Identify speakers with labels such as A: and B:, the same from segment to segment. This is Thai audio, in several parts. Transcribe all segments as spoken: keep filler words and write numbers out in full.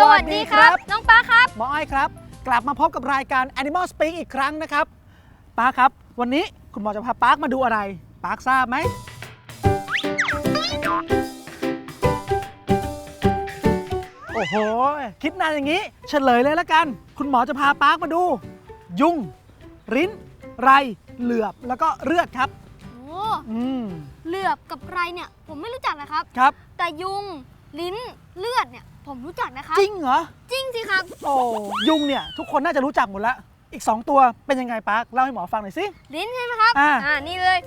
A: วัสดีครับน้องป้าครับ
B: หมออ้อยครับกลับมาพบกับรายการ Animal Speak อีกครั้งนะครับป้าครับวันนี้คุณหมอจะพาป้ามาดูอะไรป้าทราบไหมโอ้โหคิดนานอย่างนี้เฉลยเลยแล้วกันคุณหมอจะพาป้ามาดูยุงริ้นไรเหลือบแล้วก็เลือดครับ
A: โอ้
B: อืม
A: เหลือบกับไรเนี่ยผมไม่รู้จักนะครับ
B: ครับ
A: แต่ยุงลิ้นเลือดเนี่ยผมรู้จักนะครับ
B: จริงเหรอ
A: จริงสิครับ
B: โอ้ยุงเนี่ยทุกคนน่าจะรู้จักหมดแล้วอีกสองตัวเป็นยังไงป้าเล่าให้หมอฟังหน่อยสิ
A: ลิ้นใช่ไหมครับ
B: อ่า
A: อ่านี่เลย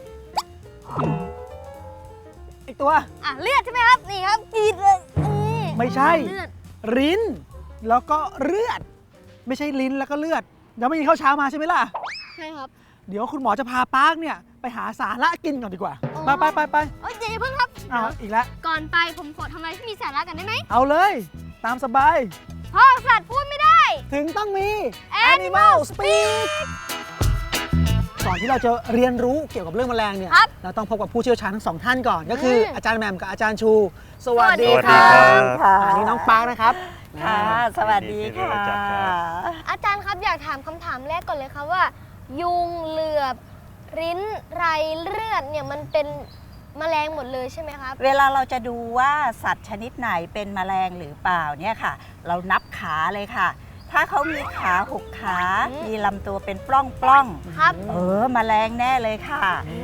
B: อีกตัว
A: อ่ะเลือดใช่ไหมครับนี่ครับกรีดเลยนี่
B: ไม่ใช่
A: เลือด
B: ลิ้นแล้วก็เลือดไม่ใช่ลิ้นแล้วก็เลือดยังไม่กินข้าวเช้ามาใช่ไหมล่ะ
A: ใช่ครับ
B: เดี๋ยวคุณหมอจะพาป้าเนี่ยไปหาสาระกินก่อนดีกว่าไปไปไปไป
A: เอ้ยเดี๋ยวเพิ่งครับ
B: อ้าวอีกแล้ว
A: ก่อนไปผมขอทำอะไรที่มีสาระกันได้ไหม
B: เอาเลยตามสบาย
A: พ่อสัตว์พูดไม่ได้
B: ถึงต้องมี
A: Animal Speak
B: ก่อนที่เราจะเรียนรู้เกี่ยวกับเรื่องแมลงเนี่ยเราต้องพบกับผู้เชี่ยวชาญทั้งสองท่านก่อนก็คืออาจารย์แหม่มกับอาจารย์ชูสวัสดีครับอันนี้น้องป้านะครับ
C: ค่ะสวัสดีค่ะ
A: อาจารย์ครับอยากถามคำถามแรกก่อนเลยครับว่ายุงเหลือบริ้นไรเลือดเนี่ยมันเป็นแมลงหมดเลยใช่ไหมครับ
C: เวลาเราจะดูว่าสัตว์ชนิดไหนเป็นแมลงหรือเปล่าเนี่ยค่ะเรานับขาเลยค่ะถ้าเขามีขาหกขามีลำตัวเป็นปล้องปล้อง
A: ครับ
C: เออแมลงแน่เลยค่ะ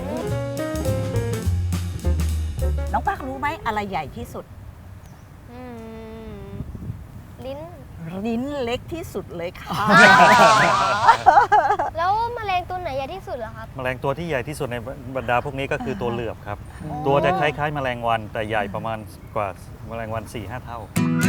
C: น้องปักรู้ไหมอะไรใหญ่ที่สุด
A: ลิ้น
C: ลิ้นเล็กที่สุดเลยค่ะ
A: แล้วแมลงตัวไหนใหญ่ที่สุดเหรอครับ
D: แมลงตัวที่ใหญ่ที่สุดในบรรดาพวกนี้ก็คือตัวเหลือบครับตัวจะคล้ายๆแมลงวันแต่ใหญ่ประมาณกว่าแมลงวัน สี่ห้า เท่า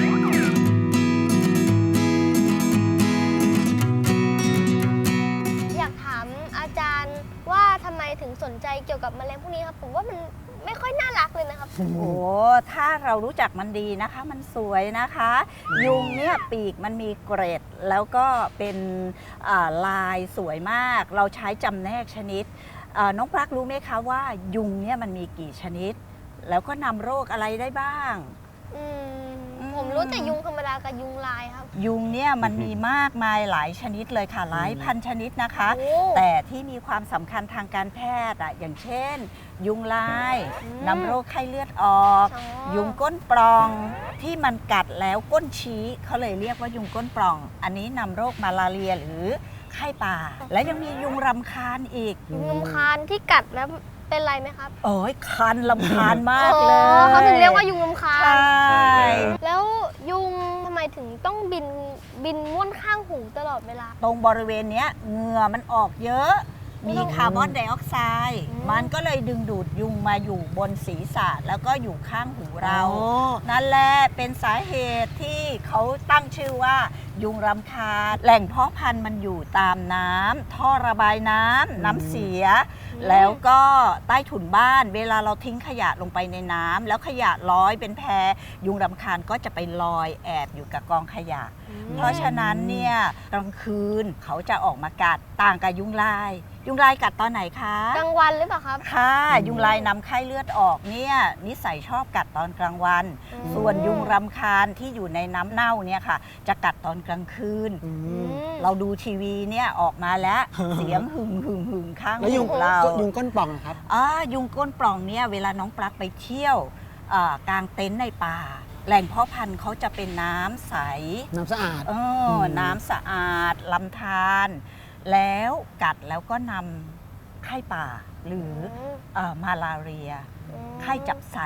A: อยากถามอาจารย์ว่าทำไมถึงสนใจเกี่ยวกับแมลงพวกนี้ครับผมว่ามันไม่ค่อยน่ารักเลยนะครับ
C: โอ้โหถ้าเรารู้จักมันดีนะคะมันสวยนะคะยุงเนี่ยปีกมันมีเกรดแล้วก็เป็นลายสวยมากเราใช้จำแนกชนิดน้องปลั๊กรู้ไหมคะว่ายุงเนี่ยมันมีกี่ชนิดแล้วก็นำโรคอะไรได้บ้าง
A: ผมรู้แต่ยุงธรรมดากับยุงลายครับ
C: ยุงเนี่ยมันมีมากมายหลายชนิดเลยค่ะหลายพันชนิดนะคะแต่ที่มีความสำคัญทางการแพทย์อ่ะอย่างเช่นยุงลายนำโรคไข้เลือดออกยุงก้นปล่องที่มันกัดแล้วก้นชี้เขาเลยเรียกว่ายุงก้นปล่องอันนี้นำโรคมาลาเรียหรือไข้ป่าและยังมียุงรำคาญอีก
A: ยุงรำคาญที่กัดแล้วเป็นไรไหมครับ
C: โอ้ยคันรำคาญมากเลย
A: เขาถึงเรียกว่ายุงรำคาญ
C: ใช่
A: แล้วยุงทำไมถึงต้องบินบินม้วนข้างหูตลอดเวลา
C: ตรงบริเวณนี้เหงื่อมันออกเยอะมีคาร์บอนไดออกไซด์มันก็เลยดึงดูดยุงมาอยู่บนศีรษะแล้วก็อยู่ข้างหูเรานั่นแหละเป็นสาเหตุที่เขาตั้งชื่อว่ายุงรำคาญแหล่งเพาะพันธุ์มันอยู่ตามน้ำท่อระบายน้ำน้ำเสียแล้วก็ใต้ถุนบ้านเวลาเราทิ้งขยะลงไปในน้ำแล้วขยะลอยเป็นแพยุงรำคาญก็จะไปลอยแอบอยู่กับกองขยะเพราะฉะนั้นเนี่ยกลางคืนเขาจะออกมากัดต่างกับยุงลายยุงลายกัดตอนไหนคะ
A: กลางวันหรือเปล่าครับ
C: ค่ะยุงลายนำไข้เลือดออกเนี่ยนิสัยชอบกัดตอนกลางวันส่วนยุงรำคาญที่อยู่ในน้ำเน่าเนี่ยค่ะจะกัดตอนกลางคืนเราดูทีวีเนี่ยออกมาแล้วเสียงหึ่งหึ่งหึ่งข้างหูเรา
B: ยุงก้นปล่องครับ
C: อ๋อยุงก้นปล่องเนี่ยเวลาน้องปลั๊กไปเที่ยวกลางเต็นท์ในป่าแหล่งเพาะพันธุ์เขาจะเป็นน้ำใส
B: น้ำสะอาด
C: เออน้ำสะอาดลำธารแล้วกัดแล้วก็นำไข้ป่าหรือมาลาเรียไข้จับสัน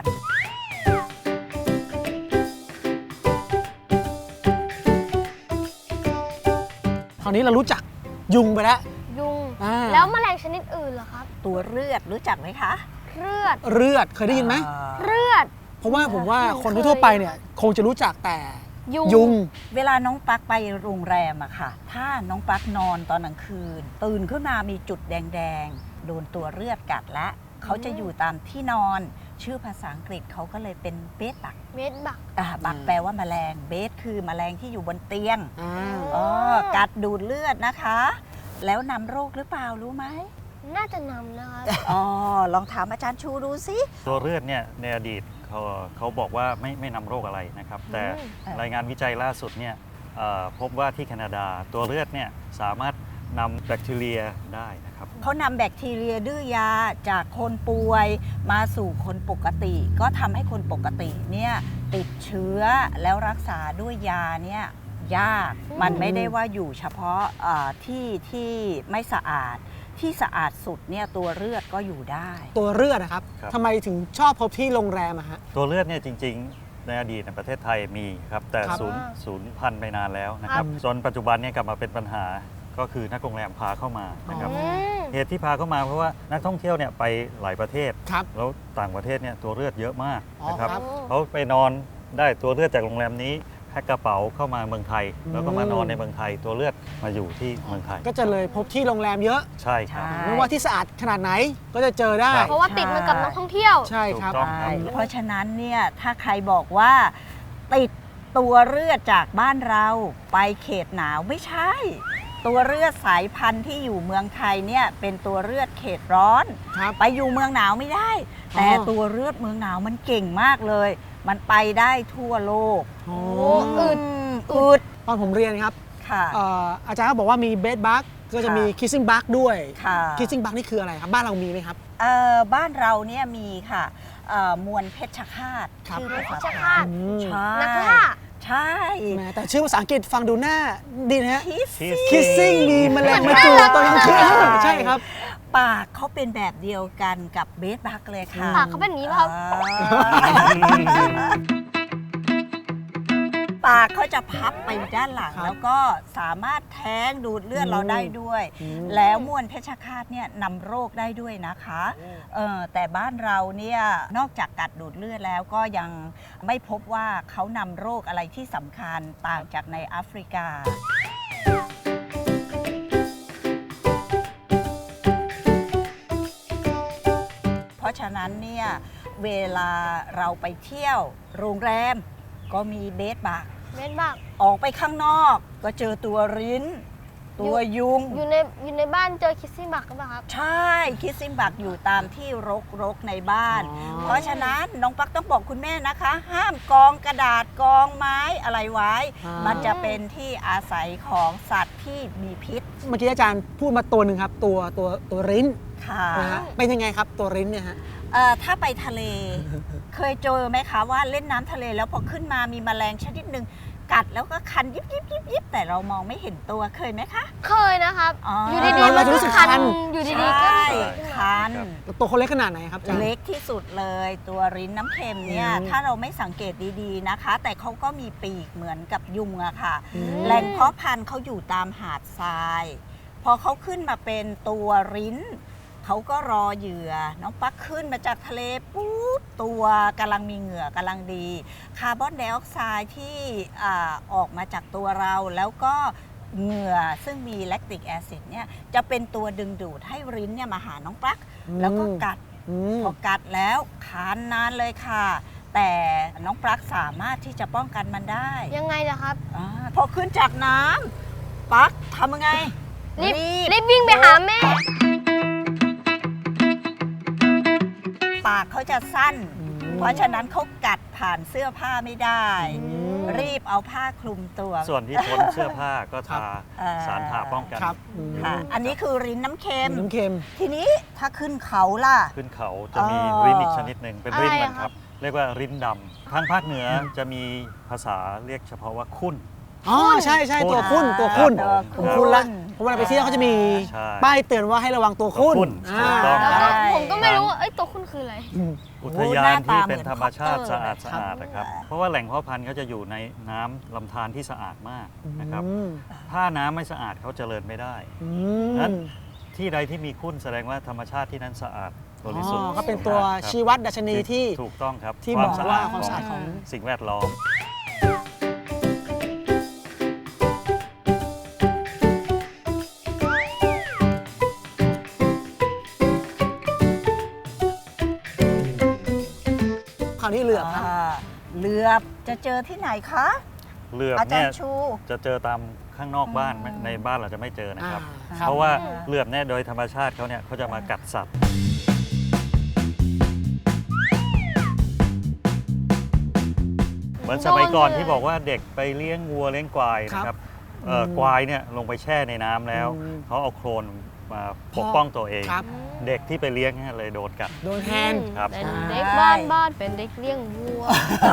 B: คราวนี้เรารู้จักยุงไปแล้ว
A: ยุงแล้วแมลงชนิดอื่นเหรอครับ
C: ตัวเลือดรู้จักไหมคะ
A: เลือด
B: เลือดเคยได้ยินไหม
A: เลือด
B: เพราะว่าผมว่าคนทั่วไปเนี่ยคงจะรู้จักแต่
A: ยุง
C: เวลาน้องปักไปโรงแรมอะค่ะถ้าน้องปักนอนตอนกลางคืนตื่นขึ้นมามีจุดแดงๆโดนตัวเลือดกัดและเขาจะอยู่ตามที่นอนชื่อภาษาอังกฤษเขาก็เลยเป็นเบสบัก
A: เบสบัก
C: บักแปลว่าแมลงเบสคือแมลงที่อยู่บนเตียงอ๋อกัดดูดเลือดนะคะแล้วนำโรคหรือเปล่ารู้ไหม
A: น่าจะนำนะครับ
C: อ๋อ ลองถามอาจารย์ชูดูสิ
D: ตัวเลือดเนี่ยในอดีตเขาเขาบอกว่าไม่ไม่นำโรคอะไรนะครับ แต่
C: อืม
D: รายงานวิจัยล่าสุดเนี่ยเอ่อพบว่าที่แคนาดาตัวเลือดเนี่ยสามารถนำแบคทีเรียได้นะครับ
C: เขานำแบคทีเรียดื้อยาจากคนป่วยมาสู่คนปกติ ก็ทำให้คนปกติเนี่ยติดเชื้อแล้วรักษาด้วยยาเนี่ยยาก
A: อืม
C: มันไม่ได้ว่าอยู่เฉพาะเอ่อที่ที่ไม่สะอาดที่สะอาดสุดเนี่ยตัวเลือดก็อยู่ได้
B: ตัวเลือดนะครับ
D: ครับ
B: ทำไมถึงชอบพบที่โรงแรมอะฮะ
D: ตัวเลือดเนี่ยจริงๆ ในอดีตในประเทศไทยมีครับ แต่
B: ครับ
D: ศูนย์ศูนย์พันธุ์ไปนานแล้วนะครับ
B: ครับ
D: จนปัจจุบันเนี่ยกลับมาเป็นปัญหาก็คือนักโรงแรมพาเข้ามานะครับ
A: อืม
D: เหตุที่พาเข้ามาเพราะว่านักท่องเที่ยวเนี่ยไปหลายประเทศ
B: ครับ
D: แล้วต่างประเทศเนี่ยตัวเลือดเยอะมาก
B: อ๋อ
D: นะครับ
B: ครับ
D: เขาไปนอนได้ตัวเลือดจากโรงแรมนี้แพ็คกระเป๋าเข้ามาเมืองไทย
B: อืม
D: แล้วก็มานอนในเมืองไทย ตัวเลือดมาอยู่ที่เมืองไทย
B: ก็จะเลยพบที่โรงแรมเยอะ
D: ใช่ครับ
C: ใช่
B: ไม่ว่าที่สะอาดขนาดไหนก็จะเจอได้
D: ครับ
A: เพราะว่าติดมากับนักท่องเที่ยว
B: ใช่ครับ
D: ถูกต้อง
C: ใช่เพราะฉะนั้นเนี่ยถ้าใครบอกว่าติดตัวเลือดจากบ้านเราไปเขตหนาวไม่ใช่ ตัวเลือดสายพันธุ์ที่อยู่เมืองไทยเนี่ยเป็นตัวเลือดเขตร้อน
B: ครับ
C: ไปอยู่เมืองหนาวไม่ได้ แต่
B: อ๋อ
C: ตัวเลือดเมืองหนาวมันเก่งมากเลย มันไปได้ทั่วโลก
B: โอ้
A: อึด
C: มอึด
B: ตอนผมเรียนครับ
C: ค่ะ
B: เอ่ออาจารย์ก็บอกว่ามีเบดบักก็จะมี
C: ค่ะ
B: คิสซิ่งบักด้วย
C: ค่ะ
B: คิสซิ่งบักนี่คืออะไรครับ บ้านเรามีไหมครับ
C: เอ่อบ้านเราเนี่ยมีค่ะเอ่อมวลเพชฌฆาต
B: ครับ
C: ชื่อภาษา
A: เพชฌ
C: ไท
A: ฆาต
C: ย
B: อืม
C: ใช่
A: นักล่า
C: ใช่
B: แหมแต่ชื่อภาษาอังกฤษฟังดูหน้าดีนะฮะ
C: คิส
D: Kiss
B: คิสซิ่งมีแมลงมาจูบตอนกลางคืนใช่ครับ
C: ปากเขาเป็นแบบเดียวกันกับเบสบักเลยค่ะ
A: ปากเขาเป็นอย่างนี้ป่ะครับ
C: อ่าปากเขาจะพับไปด้านหลัง
B: ครับ
C: แล้วก็สามารถแท้งดูดเลือดเราได้ด้วย
B: อืม
C: แล้วมวลเพชฌฆาตเนี่ยนำโรคได้ด้วยนะคะเออแต่บ้านเราเนี่ยนอกจากกัดดูดเลือดแล้วก็ยังไม่พบว่าเขานำโรคอะไรที่สำคัญต่างจากในแอฟริกา เพราะฉะนั้นเนี่ยเวลาเราไปเที่ยวโรงแรมก็มีเบสบัก
A: เม็ดบัก
C: ออกไปข้างนอกก็เจอตัวริ้น ตัวยุง
A: อยู่ในอยู่ในบ้านเจอคิสซี่บักหรือเปล่าครับ
C: ใช่คิสซิมบักอยู่ตามที่รกรกๆในบ้าน
B: อ๋อ
C: เพราะฉะนั้นน้องปักต้องบอกคุณแม่นะคะ ห้ามกองกระดาษกองไม้อะไรไว้
B: อ่ามั
C: มันจะเป็นที่อาศัยของสัตว์ที่มีพิษ
B: เมื่อกี้อาจารย์พูดมาตัวหนึ่งครับ ตัวตัวตัวริ้น
C: ค่ะ
B: นะฮะเป็นยังไงครับตัวริ้นเนี่ยฮะ
C: เอ่อถ้าไปทะเล เคยเจอไหมคะว่าเล่นน้ำทะเลแล้วพอขึ้นมามีแมลงชนิดหนึ่งกัดแล้วก็คันยิบยิบยิบยิบแต่เรามองไม่เห็นตัวเคยไหมคะ
A: เคยนะครับ
C: อ๋ออ
A: อยู่ดี
B: เรา
A: ๆ
B: เรา
A: มัน
B: จะรู้
A: ก็
B: สึก
A: คัน
B: คัน
A: อยู่ดี
C: ใช
A: ๆก็
C: ่
A: เกิดขึ้นมา
C: คัน
B: ตัวเขาเล็กขนาดไหนครับอาจารย์
C: เล็กที่สุดเลย ตัวริ้นน้ำเค็มเนี่ย
B: อืม
C: ถ้าเราไม่สังเกตดีๆนะคะ แต่เขาก็มีปีกเหมือนกับยุงอะค่ะ
B: อืม
C: แหล่งเพาะพันธุ์เขาอยู่ตามหาดทราย พอเขาขึ้นมาเป็นตัวริ้น เขาก็รอเหยื่อ น้องปักขึ้นมาจากทะเลปุ๊บตัวกำลังมีเหงื่อกำลังดี คาร์บอนไดออกไซด์ที่อ่าออกมาจากตัวเราแล้วก็เหงื่อซึ่งมีแลคติกแอซิดเนี่ยจะเป็นตัวดึงดูดให้ริ้นเนี่ยมาหาน้องปลั๊ก
B: อืม
C: แล้วก็กัด
B: อืม
C: พอกัดแล้วคานนานเลยค่ะ แต่น้องปลั๊กสามารถที่จะป้องกันมันได้
A: ยังไงล่ะครับ
C: อาพอขึ้นจากน้ำปลั๊กทำยังไง
A: รีบรีบวิ่งไปหาแม่
C: ปากเขาจะสั้น
B: อืม
C: เพราะฉะนั้นเขากัดผ่านเสื้อผ้าไม่ได้
B: อืม
C: รีบเอาผ้าคลุมตัว
D: ส่วนที่พ้นเสื้อผ้าก็ทา
C: เอ่อ
D: สารทาป้องกัน
B: ครับอืม
C: ค่ะ อันนี้คือริ้นน้ำเค็ม
B: น้ำเค็ม
C: ทีนี้ถ้าขึ้นเขาล่ะ
D: ขึ้นเขาจะมี
C: อ๋อ
D: ริ้นอีกชนิดหนึ่งเป็นริ้น
A: อะไร
D: มัน
A: อะ
D: ค
A: ครั
D: รับ บ เรียกว่าริ้นดำทางภาคเหนือจะมีภาษาเรียกเฉพาะว่าคุ้น
B: อ๋อใช่ใช่ตัว
D: คุ้
B: คุ้น
D: น
B: ตัวคุ้น
C: ตัว
B: ผมคุ้นละเพราะเวลาไปเที่ยวเขาจะมี
D: ใช่
B: ป้ายเตือนว่าให้ระวังตัวคุ้น
D: ตัวคุ้น
B: อ่า
D: ถูกต้อง
A: แล้วก็
C: ใช่
A: ผมก็ไม่รู้ว่าเอ้ยตัวคุณคืออะไร
B: อืม
D: อุทยานที่เป็นธรรมชาติ
C: หน้า
D: สะ
C: ตา
D: อาด
C: เหมือน
D: สะอาดนะครับ เพราะว่าแหล่งเพาะพันธุ์เขาจะอยู่ในน้ำลำธารที่สะอาดมากนะครับ
B: อืม
D: ถ้าน้ำไม่สะอาดเขาเจริญไม่ได้
B: อื
D: นั้น
B: ม
D: ที่ใดที่มีคุ้นแสดงว่าธรรมชาติที่นั้นสะอาดบริสุทธิ์
B: อ๋อก็เป็นตัว
D: ครับ
B: ชี้วัดดัชนีที่
D: ถูกต้องครับ
B: ที่
D: คว
B: บอก
D: สะ
B: ว่า
D: อาด
B: ความสะอาดของ
D: สิ่งแวดล้อม
B: คราวนี้เหลือบครับ
C: อ่าเหลือบจะเจอที่ไหนคะ
D: เหลือบ
C: อาจาร
D: เนี่ย
C: ย์ชู
D: จะเจอตามข้างนอกบ้าน
C: อืม
D: ในบ้านเราจะไม่เจอนะครับ
B: อ่าครับ
D: เพราะว่าเหลือบเนี่ยโดยธรรมชาติเขาเนี่ยเขาจะมากัดสัตว์เหมือนสมัยก่อนที่บอกว่าเด็กไปเลี้ยงวัวเลี้ยงควายนะครับเอ่อ
B: อืม
D: ควายเนี่ยลงไปแช่ในน้ำแล้ว
B: อืม
D: เขาเอาโคลนมาปกป้องตัวเอง
B: ครับ
D: เด็กที่ไปเลี้ยงเนี่ยเลยโดนกัด
B: โดนแทน
D: ครับ
A: เป็นเด็กบ้านบ้านเป็นเด็กเลี้ยงวัว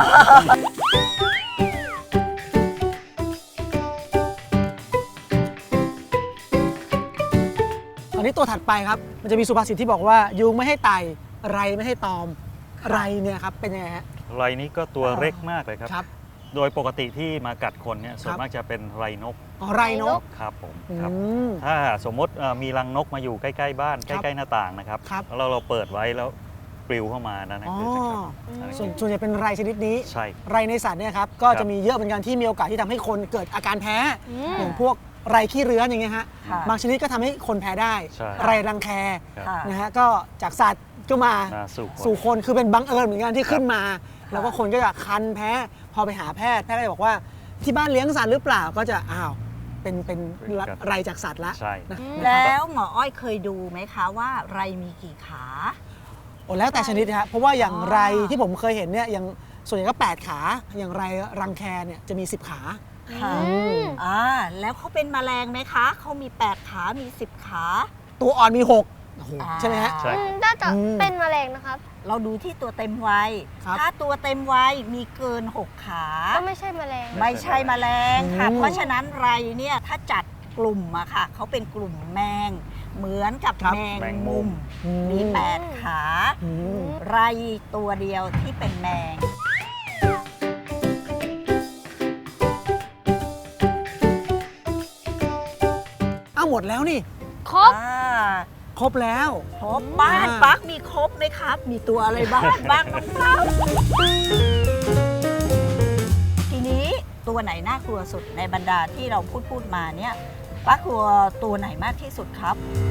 B: อันนี้ตัวถัดไปครับ มันจะมีสุภาษิตที่บอกว่ายุงไม่ให้ไต่ไรไม่ให้ตอมไรเนี่ยครับเป็นยังไงฮะ
D: ไรนี้ก็ตัวเล็กมากเลยครับ
B: ครับ
D: โดยปกติที่มากัดคนเนี่ยส่วนมากจะเป็นไรนก
B: อ๋อไรนก
D: ครับผม
B: อื
D: ครับ
B: ม
D: ถ้าสมมติเอ่อมีรังนกมาอยู่ใกล้ๆบ้าน
B: ค
D: ใก
B: รับ
D: ล้ๆหน้าต่างนะครับ
B: ครับ
D: แล้วเราเปิดไว้แล้วปลิวเข้ามานั่น
B: อ๋อ
D: คือนะครับนั่น
B: ส่วน
D: คือ
B: ส่วนใหญ่เป็นไรชนิดนี้
D: ใช่
B: ไรในสัตว์เนี่ยครับก็
D: ครับ
B: จะมีเยอะเหมือนกันที่มีโอกาสที่ทำให้คนเกิดอาการแพ้
A: อืม
B: อย่างพวกไรขี้เรื้อนอย่างเงี้ยฮะ
C: ค่ะ
B: บางชนิดก็ทำให้คนแพ้ได้
D: ใช่
B: ไรรังแค
D: ครับ
C: ค่ะ
B: นะฮะก็จากสัตว์ก็มา
D: มาสู่คน
B: สู่คนคือเป็นบังเอิญเหมือนกันที่
D: ครับ
B: ขึ้นมา แล้วก็คนก็จะคันแพ้พอไปหาแพทย์แพทย์ก็จะบอกว่าที่บ้านเลี้ยงสัตว์หรือเปล่าก็จะอ้าวเป็นเป็นไรจากสัตว์ละ
D: ใช่
B: นะ
C: แล้วหมออ้อยเคยดูไหมคะว่าไรมีกี่ขา
B: โอ้แล้วแต่ชนิดนะฮะเพราะว่าอย่าง
C: อ๋อ
B: ไรที่ผมเคยเห็นเนี่ยอย่างส่วนใหญ่ก็แปดขาอย่างไรรังแคเนี่ยจะมีสิบขา
C: ค่ะ
A: อืม
C: อ่าแล้วเขาเป็นแมลงไหมคะเขามีแปดขามีสิบขา
B: ตัวอ่อนมีหกโอ้โห
C: อ่า
B: ใช่ไหมฮะ
D: ใช่
A: อืมน่าจะ
B: อืม
A: เป็นแมลงนะครับ
C: เราดูที่ตัวเต็มวัย
B: ครับ
C: ถ้าตัวเต็มวัยมีเกินหกขา
A: ก็ไม่ใช่แมลง
C: ไม่ใช่แมลงค่ะ
B: อืม
C: เพราะฉะนั้นไรเนี่ยถ้าจัดกลุ่มอะค่ะเขาเป็นกลุ่มแมง เหมือนกับ
B: ครับ
C: แมง
D: แมงมุ
C: มุ
D: ม
C: ม
B: อืม
C: มีแปดขา
B: อืม
C: ไรตัวเดียวที่เป็นแมง
B: อ้าวหมดแล้วนี่
A: ครบ
C: อ่า
B: ครบแล้ว
C: ครบบ้าน
B: อ่า
C: ปักมีครบไหมครับ มีตัวอะไรบ้าง บ้างน้องเต้าทีนี้ตัวไหนน่ากลัวสุดในบรรดาที่เราพูดพูดมาเนี่ยปักกลัวตัวไหนมากที่สุดครับ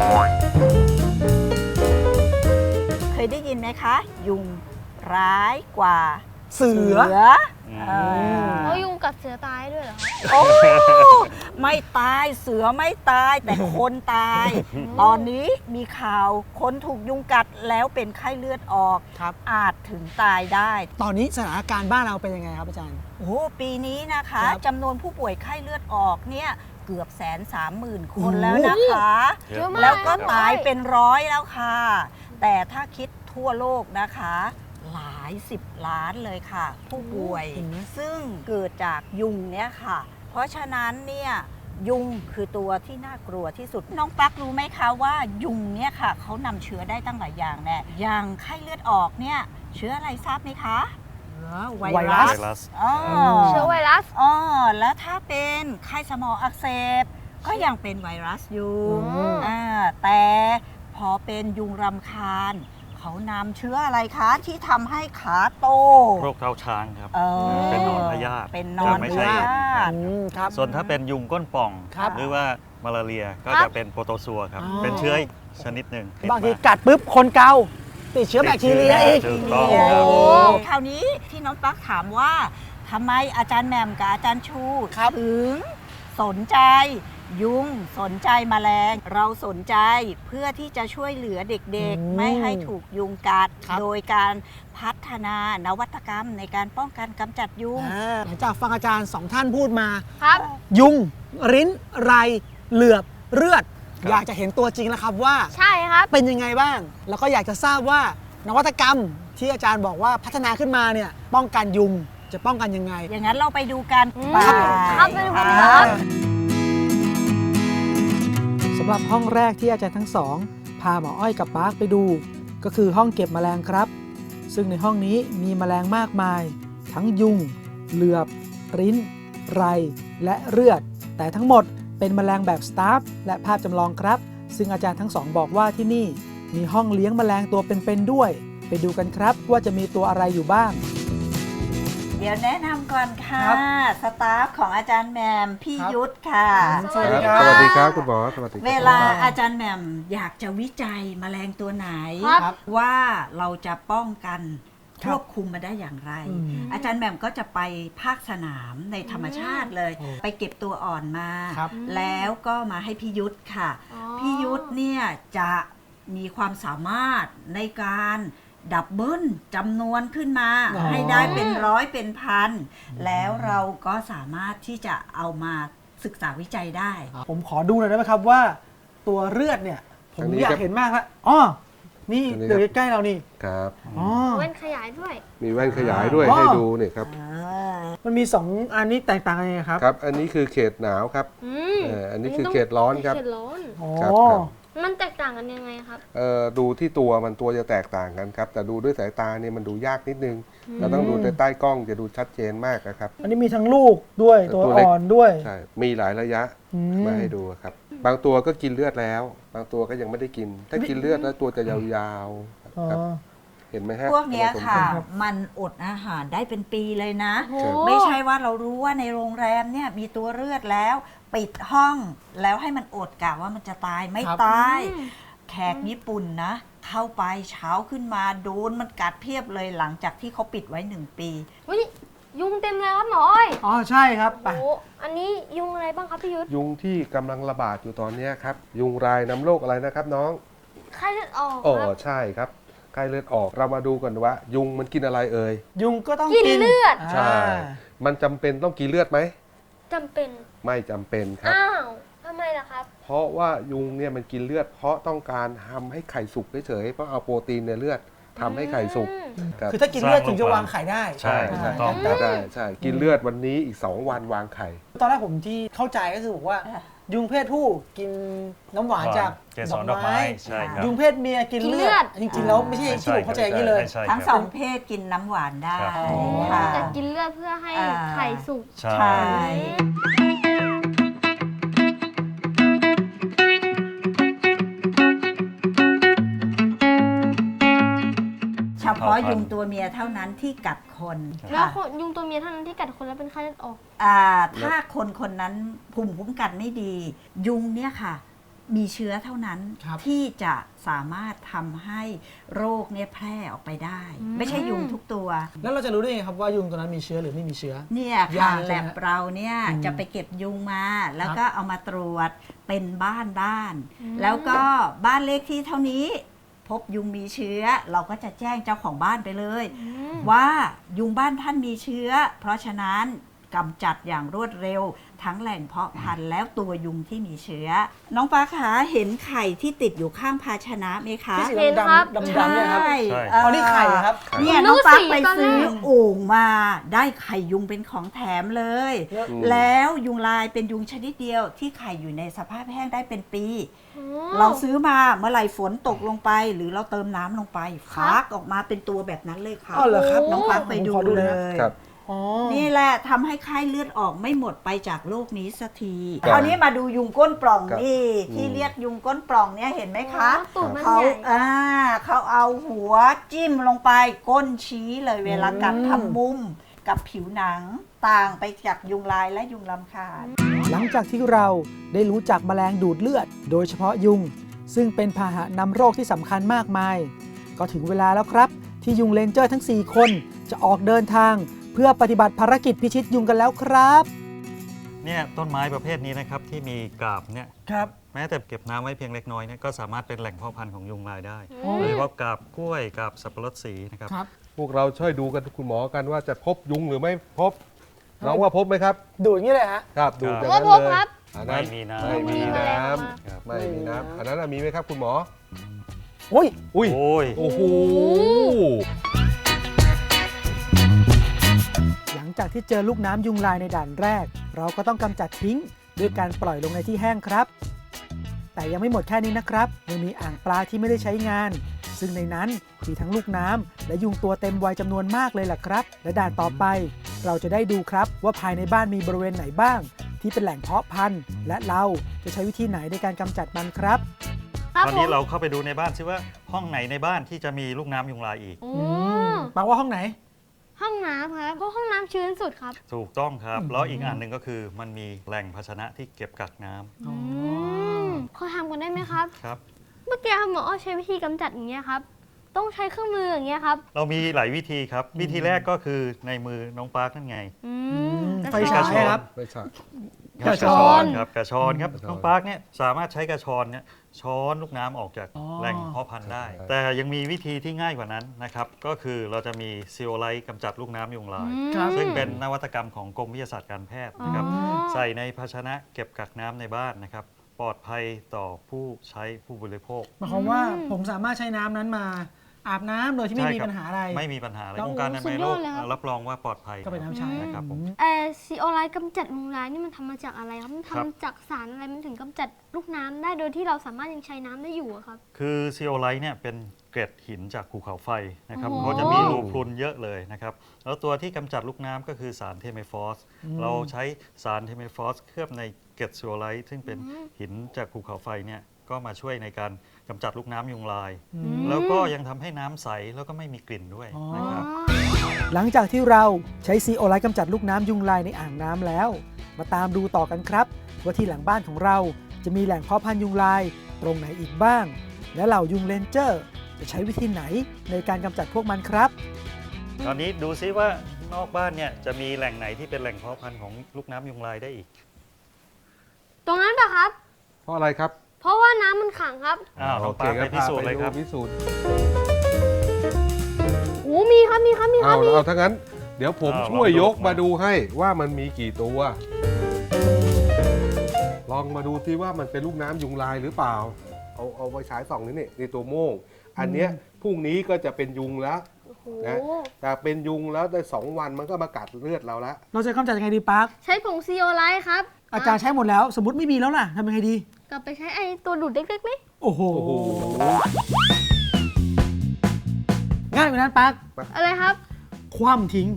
C: เคยได้ยินไหมคะ ยุงร้ายกว่า
B: เสือ
D: อืม
C: อ่า
A: เพราะยุงกัดเสือตายด้วยเหรอครับ
C: โอ้ไม่ตายเสือไม่ตายแต่คนตาย ตอนนี้มีข่าวคนถูกยุงกัดแล้วเป็นไข้เลือดออก
B: ครับ
C: อาจถึงตายได้
B: ตอนนี้สถานการณ์บ้านเราเป็นยังไงครับอาจารย์
C: โอ้ปีนี้นะคะ
B: ครับ
C: จำนวนผู้ป่วยไข้เลือดออกเนี่ยเกือบแสนสามหมื่นคน
B: โอ้โห
C: แล้วนะคะ
D: เยอะมาก
C: แล้วก็
D: ครับ
C: ตายเป็นร้อยแล้วค่ะ แต่ถ้าคิดทั่วโลกนะคะ หลายสิบล้านเลยค่ะ ผู้ป่วย
B: เห็นไหม
C: ซึ่งเกิดจากยุงเนี่ยค่ะ เพราะฉะนั้นเนี่ยยุงคือตัวที่น่ากลัวที่สุด น้องปลั๊กรู้ไหมคะว่ายุงเนี่ยค่ะเขานำเชื้อได้ตั้งหลายอย่างแน่อย่างไข้เลือดออกเนี่ยเชื้ออะไรทราบไหมคะเชื้อไว
B: ไวรั
C: รั
B: ส
C: ส
D: ไวรัส
C: อ๋อ
A: เชื้อไวรัส
C: อ๋อแล้วถ้าเป็นไข้สมองอักเสบก็ยังเป็นไวรัสอยู่
B: อืม
C: อ่าแต่พอเป็นยุงรำคาญ เขานำเชื้ออะไรคะที่ทำให้ขาโต
D: โรคเท้าช้างครับ
C: เออ
D: เป็นหนอนพยาธิ
C: เป็นหนอน
D: จะไม่ใช่
C: พยาธิ
B: อืมครับ
D: ส่วนถ้าเป็นยุงก้นป่อง
B: ครับ
D: หรือว่ามาลาเรียก็
A: ครั
D: จะ
A: บ
D: เป็นโปรโตซัวครับ
B: อ๋อ
D: เป็นเชื้ออีกชนิดหนึ่ง
B: บางที
D: ติดม
B: กัดปุ๊บคนเกาติดเชื้อแบคทีเรียอีก
D: ถูกต้อง
C: โอ้
D: ครับ
C: โหคราวนี้ที่น้องตั๊กถามว่าทำไมอาจารย์แหม่มกับอาจารย์ชู
B: ครับ
C: ถึงสนใจ ยุงสนใจแมลง เราสนใจเพื่อที่จะช่วยเหลือเด็ก
B: อืม
C: ๆ ไม่ให้ถูกยุงกัด
B: ครับ
C: โดยการพัฒนานวัตกรรมในการป้องกันกำจัดยุง
B: อ่าหลังจากฟังอาจารย์สองท่านพูดมา
A: ครับ
B: ยุง ริ้น ไร เหลือบ เลือด
D: ครับ
B: อยากจะเห็นตัวจริงแล้วครับว่า
A: ใช่ครับ
B: เป็นยังไงบ้าง แล้วก็อยากจะทราบว่านวัตกรรมที่อาจารย์บอกว่าพัฒนาขึ้นมาเนี่ยป้องกันยุงจะป้องกันยังไง
C: อย่างนั้นเราไปดูกัน
A: อืม
C: ไป
A: ครับไปดูกัน
C: อ่า
A: ครับ
B: สำหรับห้องแรกที่อาจารย์ทั้งสอง พาหมออ้อยกับปาร์คไปดู ก็คือห้องเก็บแมลงครับ ซึ่งในห้องนี้มีแมลงมากมาย ทั้งยุง เหลือบ ริ้น ไร และเลือด แต่ทั้งหมดเป็นแมลงแบบสตาฟและภาพจำลองครับ ซึ่งอาจารย์ทั้งสองบอกว่าที่นี่มีห้องเลี้ยงแมลงตัวเป็นๆด้วย ไปดูกันครับว่าจะมีตัวอะไรอยู่บ้าง
C: เดี๋ยวแนะนำก่อนค่ะ
B: ครับ
C: สตาฟของอาจารย์แหมมพี่
B: ครับ
C: ยุทธค่ะ
B: สวัสดีครับ
E: สวัสดีครับคุณหมอสวัสดีครับ
C: เวลาอาจารย์แหม่มอยากจะวิจัยแมลงตัวไหน
A: ครับ
B: ครับ
C: ว่าเราจะป้องกันค
B: ครับ
C: วบคุมมาได้อย่างไร
B: อืม
C: อาจารย์แหม่มก็จะไปภาคสนามในธรรมชาติเลย
B: โอ้
C: ไปเก็บตัวอ่อนมา
B: ครับ
C: แล้วก็มาให้พี่ยุทธค่ะ
A: อ๋อ
C: พี่ยุทธเนี่ยจะมีความสามารถในการดับเบิลจำนวนขึ้นมา
B: อ๋อ
C: ให้ได้เป็นร้อยเป็นพัน แล้วเราก็สามารถที่จะเอามาศึกษาวิจัยได้
B: ผมขอดูหน่อยได้ไหมครับว่า ตัวเลือดเนี่ย ผม
E: อันนี้
B: อยา
E: ครั
B: ก
E: บ
B: เห็นมากแล้วอ๋อนี่
E: อันนี้
B: เดี๋ยว
E: ครับ
B: ใกล้ๆเรานี่
E: ครับ
B: อ๋อ
A: แว่นขยายด้วย
E: มีแว่นขยายด้วย
B: อ๋อ
E: ให้ดูเนี่ยครับ
B: มันมีสองอันนี้แตกต่างกันยังไงครับ
E: ครับ อันนี้คือเขตหนาวครับ
A: อืม
E: เอ่ออันนี้คือเขตร้อนครับ
A: เขตร้อน
B: อ๋อ
E: ครับครับ
A: มันแตกต่างกันยังไงครับ
E: เอ่อดูที่ตัวมันตัวจะแตกต่างกันครับ แต่ดูด้วยสายตาเนี่ยมันดูยากนิดนึง เราต้องดูใต้ใต้กล้องจะดูชัดเจนมากนะครับ
B: อันนี้มีทั้งลูกด้วยตัว
E: ตัวเล็ก
B: อ่อนด้วย
E: ใช่ มีหลายระยะ
B: อืม
E: มาให้ดูครับ บางตัวก็กินเลือดแล้ว บางตัวก็ยังไม่ได้กิน ถ้ากินเลือดแล้วตัวจะยาวๆ
B: อ๋อ
E: ครับ เห็นไหมฮะ
C: พวกเนี้ย
E: ผสม
C: ค่ะ
E: กัน
C: มันอดอาหารได้เป็นปีเลยนะ
A: โอ้โห
C: ไม่ใช่ว่าเรารู้ว่าในโรงแรมเนี่ยมีตัวเลือดแล้ว ปิดห้องแล้วให้มันอดกะว่ามันจะตายไม่
B: ครับ
C: ตาย แขกญี่ปุ่นนะ เข้าไปเช้าขึ้นมาโดนมันกัดเพียบเลยหลังจากที่เขาปิดไว้หนึ่งปี
A: เฮ้ยยุงเต็มเลยครับหมออ้อย
B: อ๋อใช่ครับไป
A: โอ้อันนี้ยุงอะไรบ้างครับพี่ยุทธ
E: ยุงที่กำลังระบาดอยู่ตอนเนี้ยครับ ยุงรายน้ำโรคอะไรนะครับน้อง
A: ไข้เลือดออก
E: อ๋อ
A: ครับ
E: ใช่ครับไข้เลือดออกเรามาดูกันว่า ยุงมันกินอะไรเอ่ย
B: ยุงก็ต้อง
A: กิน
B: กิน
A: เลือด
E: ใช่ มันจำเป็นต้องกินเลือดไหม
A: จำเป็น
E: ไม่จำเป็นครับ
A: อ้าวทำไมล่ะครับ
E: เพราะว่ายุงเนี่ยมันกินเลือด เพราะต้องการทำให้ไข่สุกเฉยๆเพราะเอาโปรตีนในเลือดทำให้ไข่สุก
A: อืม
E: ครับ
B: คือถ้ากินเลือดถึงจะวางไข่ได้
D: ใช่
E: ใช่
D: ถูกต้องค
E: ใช่
D: รับ
E: ใช่ใช่กินเลือดวันนี้อีกสองวันวางไข่
B: ตอนแรกผมที่เข้าใจก็คือบอกว่า
C: อ่ะ
B: ยุงเพศผู้กินน้ำหวานจาก
D: เกสรดอกไม้ใช่ครับ
B: ยุงเพศเมียกิน
A: กินเลื
B: เลื
A: อ
B: อ
A: ด
B: ด จริงๆแล้วไม่ใช่ที่ผมเข้าใจอย่างนี้เลย
D: ไม่ใช่
C: ทั้ง
D: ค
C: ส
D: รั
C: อบ งเพศกินน้ำหวานได้
D: ครับ
C: ค่ะ
A: แต่กินเลือดเพื่อให้
C: อ่า
A: ไข่สุก
D: ใช่
C: ใช่ เฉพาะยุงตัวเมียเท่านั้นที่กัดคน
A: แล้ว
C: ค่ะ
A: คนยุงตัวเมียเท่านั้นที่กัดคนแล้วเป็นไข้เลือดออก
C: อ่าถ้าคนคนนั้นภูมิคุ้มกันไม่ดี ยุงเนี่ยค่ะ มีเชื้อเท่านั้น
B: ครับ
C: ที่จะสามารถทำให้โรคเนี่ยแพร่ออกไปได้
A: อืม
C: ไม่ใช่ยุงทุกตัว
B: แล้วเราจะรู้ได้ไงครับว่ายุงตัวนั้นมีเชื้อหรือไม่มีเชื้อ
C: เนี่ย
B: ยา
C: ค่ะ
B: กใช่ไหม
C: แลบเราเนี่ย
B: อืม
C: จะไปเก็บยุงมา แล้ว
B: ครับ
C: ก็เอามาตรวจเป็นบ้านบ้าน
A: อืม
C: แล้วก็บ้านเลขที่เท่านี้ พบยุงมีเชื้อ เราก็จะแจ้งเจ้าของบ้านไปเลย
A: อืม
C: ว่ายุงบ้านท่านมีเชื้อ เพราะฉะนั้นกำจัดอย่างรวดเร็ว ทั้งแหล่งเพาะพันธุ์แล้วตัวยุงที่มีเชื้อ น้องฟ้าขาเห็นไข่ที่ติดอยู่ข้างภาชนะไหมคะ
B: ที่สี
A: เห็น
B: ด
A: ครับ
B: ำๆดำๆเนี่ยครับ
C: ใช่
D: ใช่
C: เอ่อ
B: อ๋อนี่ไข่เหรอครับ
C: เนี่ย
A: ผมนึ
C: น้อก ง
A: ว่า
C: ฟ้า
A: สี
C: ไป
A: ตอนแรก
C: ซื้อโอ่งมาได้ไข่ยุงเป็นของแถมเลย
E: อืม
C: แล้วยุงลายเป็นยุงชนิดเดียวที่ไข่อยู่ในสภาพแห้งได้เป็นปี
A: โอ้
C: เราซื้อมาเมื่อไหร่ฝนตกลงไป หรือเราเติมน้ำลงไป
A: ครับ
C: ฟักออกมาเป็นตัวแบบนั้นเลยค่ะ
B: อ๋อเหรอครับ
C: น้องฟักไปดู
B: ผมขอดูห
C: เล
B: น่อย
C: ย
E: ครับ
B: อ๋อ
C: นี่แหละทำให้ไข้เลือดออกไม่หมดไปจากโลกนี้สักที
E: ครับ
C: คราวนี้มาดูยุงก้นปล่อง
E: ครับ
C: นี่ที่
E: อืม
C: เรียกยุงก้นปล่องเนี่ยเห็นไหมคะ
A: ตูดมัน
C: เขา
A: ใหญ่
C: อ่าเขาเอาหัวจิ้มลงไปก้นชี้เลยเวลากัดทำมุมกับผิวหนังต่างไปจากยุงลายและยุงลำคาญ
B: หลังจากที่เราได้รู้จักแมลงดูดเลือด โดยเฉพาะยุง ซึ่งเป็นพาหะนำโรคที่สำคัญมากมาย ก็ถึงเวลาแล้วครับ ที่ยุงเลนเจอร์ทั้ง สี่ คน จะออกเดินทาง เพื่อปฏิบัติภารกิจพิชิตยุงกันแล้วครับ
D: เนี่ยต้นไม้ประเภทนี้นะครับที่มีกาบเนี่ย
B: ครับ
D: แม้แต่เก็บน้ำไว้เพียงเล็กน้อยเนี่ยก็สามารถเป็นแหล่งเพาะพันธุ์ของยุงลายได้
A: อืม
D: โดยเฉพาะกาบกล้วยกาบสับปะรดสีนะครับ
B: ครับ
E: พวกเราช่วยดูกันคุณหมอกันว่าจะพบยุงหรือไม่พบ น้องว่าพบไหมครับ
B: ดูอย่างนี้เลยฮะ
E: ครับดู
D: ครับ
E: จาก
A: ว่า
E: นั้น
A: พบ
E: เลย
A: ครับ
E: อันนั้น
D: ไม่มีน้ำ
E: ไม่มีน้
D: ครับ
E: ำไม่มีน้ำอันนั้นน่ะมีไหมครับคุณหมอ
B: โอ้ย
E: อุ้ย
D: โอ้ย
E: โอ้โห
B: หลังจากที่เจอลูกน้ำยุงลายในด่านแรก เราก็ต้องกำจัดทิ้งด้วยการปล่อยลงในที่แห้งครับ แต่ยังไม่หมดแค่นี้นะครับยังมีอ่างปลาที่ไม่ได้ใช้งาน ซึ่งในนั้นมีทั้งลูกน้ำและยุงตัวเต็มวัยจำนวนมากเลยล่ะครับ และด่านต่อไป เราจะได้ดูครับว่าภายในบ้านมีบริเวณไหนบ้าง ที่เป็นแหล่งเพาะพันธุ์ และเราจะใช้วิธีไหนในการกำจัดมันครับ
A: ครับ
D: ตอน
A: ผ
D: นี้
A: ม
D: เราเข้าไปดูในบ้านซิว่าห้องไหนในบ้านที่จะมีลูกน้ำยุงลายอีก
A: โอ้
B: อืมแปลว่าห้องไหน
A: ห้องน้ำครับเพราะห้องน้ำชื้นสุดครับ
D: ถูกต้องครับ
B: อืม
D: แล้วอีกอันหนึ่งก็คือมันมีแหล่งภาชนะที่เก็บกักน้ำ
B: อ๋อ
A: มขอถามกันได้ไหมครับ
D: ครับ
A: เมื่อกี้หมออ้อใช้วิธีกำจัดอย่างเงี้ยครับต้องใช้เครื่องมืออย่างเงี้ยครับ
D: เรามีหลายวิธีครับ วิธีแรกก็คือในมือน้องปาร์คนั่นไง
A: อื
B: ม
A: กระ
B: ไฟ
A: ช
B: ฉา
A: อย น
B: ครับ
E: ไม่ใช่
D: กระชอนครับกระชอนครับ
E: กระชอน
D: น้องปาร์คเนี่ยสามารถใช้กระชอนเนี่ยช้อนลูกน้ำออกจาก
B: อ๋อ
D: แหล่งเพาะพันธุ์ได้
E: ใช่
D: แต่ยังมีวิธีที่ง่ายกว่านั้นนะครับก็คือเราจะมีซีโอไลท์กำจัดลูกน้ำยุงลาย
B: ครับ
D: ซึ่งเป็นนวัตกรรมของกรมวิทยาศาสตร์การแพทย์นะครับ
A: อ๋อ
D: ใส่ในภาชนะเก็บกักน้ำในบ้านนะครับปลอดภัยต่อผู้ใช้ผู้บริโภค
B: หมายความว่าผมสามารถใช้น้ำนั้นมาอาบน้ำโดยที่ไม่
D: ใช่
B: มี
D: ครับ
B: ปัญหาอะไร
D: ไม่มีปัญหาอะไร
B: แล้ว
D: องค์การอนามัยโลก
A: สุดยอดเลยครับ
D: รับรองว่าปลอดภัย
B: ก็เป็นน้ำใช้
D: นะครับผม
A: เออซีโอไลท์กำจัดยุงลายนี่มันทำมาจากอะไรครับ มัน
D: ครับ
A: ทำจากสารอะไรมันถึงกำจัดลูกน้ำได้โดยที่เราสามารถยังใช้น้ำได้อยู่อะครับ
D: คือซีโอไลท์เนี่ยเป็นเกล็ดหินจากภูเขาไฟนะครับ
A: โอ้โห
D: เขาจะมีรูพรุนเยอะเลยนะครับแล้วตัวที่กำจัดลูกน้ำก็คือสารเทเมฟอส
B: อืม
D: เราใช้สารเทเมฟอสเคลือบในเกล็ดซีโอไลท์ซึ่งเป็นหินจากภูเขาไฟเนี่ยก็มาช่วยในการกำจัดลูกน้ำยุงลาย
B: อื
A: อื
B: ม
A: ม
D: แล้วก็ยังทำให้น้ำใสแล้วก็ไม่มีกลิ่นด้วย
B: อ๋อ
D: นะครับ
B: หลังจากที่เราใช้ซีโอไลท์กำจัดลูกน้ำยุงลายในอ่างน้ำแล้ว มาตามดูต่อกันครับ ว่าที่หลังบ้านของเราจะมีแหล่งเพาะพันธุ์ยุงลายตรงไหนอีกบ้าง และเหล่ายุงเลนเจอร์จะใช้วิธีไหนในการกำจัดพวกมันครับ
D: ตอนนี้ดูซิว่านอกบ้านเนี่ยจะมีแหล่งไหนที่เป็นแหล่งเพาะพันธุ์ของลูกน้ำยุงลายได้อีก
A: ตรงนั้นปะครับ
E: เพราะอะไรครับ
A: เพราะว่าน้ำมันขังครับ
D: อ้าวน้องปาร์คไปพิสูจน์เลยครับ
E: พิสูจน์
A: โอ้มีครับ มีครับ มีครั
E: เอา
A: บ มี
E: เอาถ้างั้น เดี๋ยวผม
D: อ้าว
E: ช่วย
D: ลองดู
E: ยกมาดูให้ว่ามันมีกี่ตัว ลองมาดูที่ว่ามันเป็นลูกน้ำยุงลายหรือเปล่า เอาเอาไปฉายส่องนี่นี่นี่ตัวโม่งอันเนี้ยพรุ่งนี้ก็จะเป็นยุงแล้ว
A: โอ้โห
E: นะแต่เป็นยุงแล้วได้สองวันมันก็มากัดเลือดเราแล้ว
B: เราจะกำจัดยังไงดีปาร์ค
A: ใช้ผงซีโอไลท์ครับ
B: อาจารย์ใช้หมดแล้ว สมมติไม่มีแล้วล่ะทำยังไงดี
A: กลับไปใช้ไอ้ตัวดูดเล็กๆไหม
B: โอ้โห
E: โอ้โห
B: ง่ายกว่านั้นปาร์ค
A: อะไรครับ
B: คว่ำทิ้ง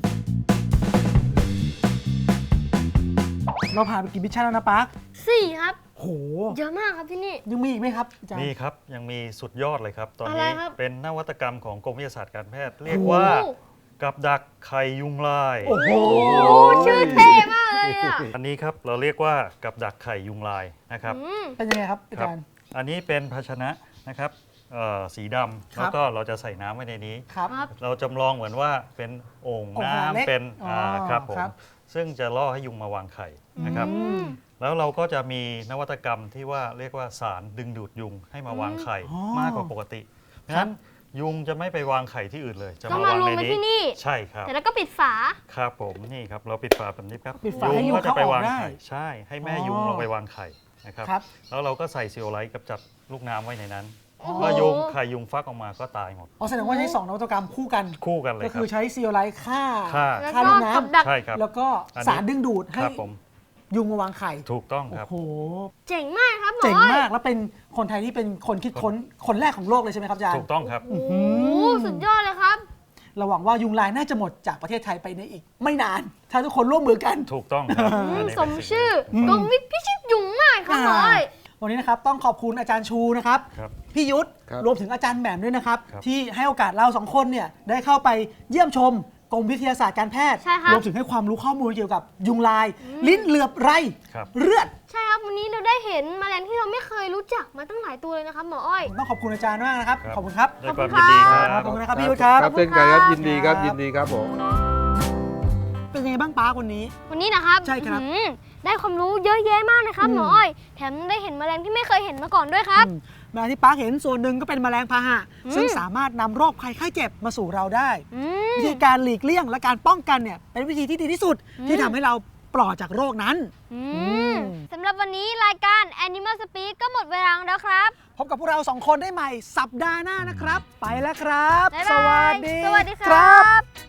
B: เราผ่านไปกี่มิชชั่นแล้วนะปาร์ค
A: สี่ครับ
B: โห
A: เยอะมากครับที่นี่
B: ยังมีอีกไหมครับอาจารย์
D: นี่ครับยังมีสุดยอดเลยครับ ตอน
A: อะไร
D: นี้
A: ครับ
D: เป็นนวัตกรรมของกรมวิทยาศาสตร์การแพทย์ เรียก
B: โอ้
D: ว่ากับดักไข่ยุงลาย
B: โอ้โห
A: โอ้ชื่อเท่มากเลยอ่ะ
D: อันนี้ครับเราเรียกว่ากับดักไข่ยุงลายนะครับ
A: อืม
B: เป็นยังไงครับอา
D: ครับ
B: จารย์
D: อันนี้เป็นภาชนะนะครับเอ่อสีดำ
B: ครับ
D: แล้วก็เราจะใส่น้ำไว้ในนี้
B: ครับ
A: ครับ
D: เราจำลองเหมือนว่าเป็นโอ่ง
B: โอ่งขนาดเล็ก
D: น้ำเป็น
B: อ๋ออ่
D: าครับผม
B: ครับ
D: ซึ่งจะล่อให้ยุงมาวางไข่นะครับ
B: อืม
D: แล้วเราก็จะมีนวัตกรรมที่ว่าเรียกว่าสารดึงดูดยุงให้มาวางไข่
B: อ๋อ
D: มากกว่าปกติเพราะฉะนั้นยุงจะไม่ไปวางไข่ที่อื่นเลย จะ
A: ต้อง
D: มามาง
A: มาวรวม
D: ใน
A: ไว้ที่
D: นี้
A: นี่
D: ใช่ครับ
A: แต่แล้วก็ปิดฝา
D: ครับผมนี่ครับเราปิดฝาแบบนี้ครับ
B: ปิดฝาให้ยุง
D: ก็จะไปวาง
B: เข้าออกได้
D: ไข่ใช่ให้แม่
B: อ๋อ
D: ยุงลงไปวางไข่นะครับ
B: ครับ
D: แล้วเราก็ใส่ซีโอไลท์กับจับลูกน้ำไว้ในนั้น
A: โอ้โห
D: เมื่อยุงไข่ยุงฟักออกมาก็ตายหมด
B: อ๋อแสดงว่าใช้สองนวัตกรรมคู่กัน
D: คู่กันเลย
B: ก็
D: ค
B: คื
D: รั
B: อบ ใช้ซีโอไลท์ฆ่า
D: ฆ่า
A: แล้ว
B: ฆ่า
A: ก็
B: ลูกน้ำ
A: กับดัก
D: ใช่ครับ
B: แล้วก็
D: อันนี้
B: สารดึงดูด
D: ค
B: ให้
D: รับผม
B: ยุงมาวางไข่
D: ถูกต้อง
B: โอ้
D: ครับ
B: โห
A: เจ๋งมากครับหมอ
B: เจ๋ง
A: อ้อย
B: มากแล้วเป็นคนไทยที่เป็นคนคิดค้นคนแรกของโลกเลยใช่ไหมครับอาจารย์
D: ถูกต้องครับ
A: โอ้โหสุดยอดเลยครับ
B: เราหวังว่ายุงลายน่าจะหมดจากประเทศไทยไปในอีก ไม่นาน ถ้าทุกคนร่วมมือกัน
D: ถูกต้องครับ
A: อื
D: อัน
A: ม
D: นี้
A: ส
D: เป็น
A: ม
D: สิ่ง
A: ชื่อ
B: อืม
A: กรมวิทย์พิชิตยุงมากครับหมออ้อย
B: วันนี้นะครับต้องขอบคุณอาจารย์ชูนะครับ
D: ครับ
B: พี่ยุทธ
E: ครับ
B: รวมถึงอาจารย์แหม่มด้วยนะครับ
D: ครับ
B: ที่ให้โอกาสเราสองคนเนี่ยได้เข้าไปเยี่ยมชมกรมวิทยาศาสตร์การแพทย์
A: ใช่ครับ
B: รวมถึงให้ความรู้ข้อมูลเกี่ยวกับยุงลาย ลิ้นเหลือบไร
D: ครับ
B: เลือด
A: ใช่ครับ วันนี้เราได้เห็นแมลงที่เราไม่เคยรู้จักมาตั้งหลายตัวเลยนะครับหมออ้อย
B: ต้องขอบคุณอาจารย์มากนะครับ
D: ครับ
B: ขอบคุณครับ
D: ด้วยความ
A: ขอบคุณ
D: ยินดีค
A: ครั
D: รับ
B: ขอบคุณนะครับพี่ยุทธครับ
E: ครับเช่นกันครับ
A: ขอบคุณครับ
E: ยินดีครับยินดีครับผม
B: เป็นยังไงบ้างป้าวันนี้
A: วันนี้นะครับ
B: ใช่ครับ
A: อื้อหือได้ความรู้เยอะแยะมากนะครับ
B: อืม
A: หมออ้อย แถมได้เห็นแมลงที่ไม่เคยเห็นมาก่อนด้วยครับ
B: อืมแมลงที่ป้าเห็นส่วนหนึ่งก็เป็นแมลงพาหะ
A: อืม
B: ซึ่งสามารถนำโรคภัยไข้เจ็บมาสู่เราได้
A: อืม
B: วิธีการหลีกเลี่ยงและการป้องกันเนี่ยเป็นวิธีที่ดีที่สุด
A: อืม
B: ที่ทำให้เราปลอดจากโรคนั้น
A: อื
B: อื
A: ม
B: ม
A: สำหรับวันนี้รายการ Animal Speak ก็หมดเวลาแล้วครับ
B: พบกับพวกเราสองคนได้ใหม่สัปดาห์หน้านะครับ ไปแล้วครับ
A: บ๊าย
B: ส
A: บา
B: วั
A: ย
B: สดี
A: สวัสดีค
B: ค
A: รั
B: รับ
A: บ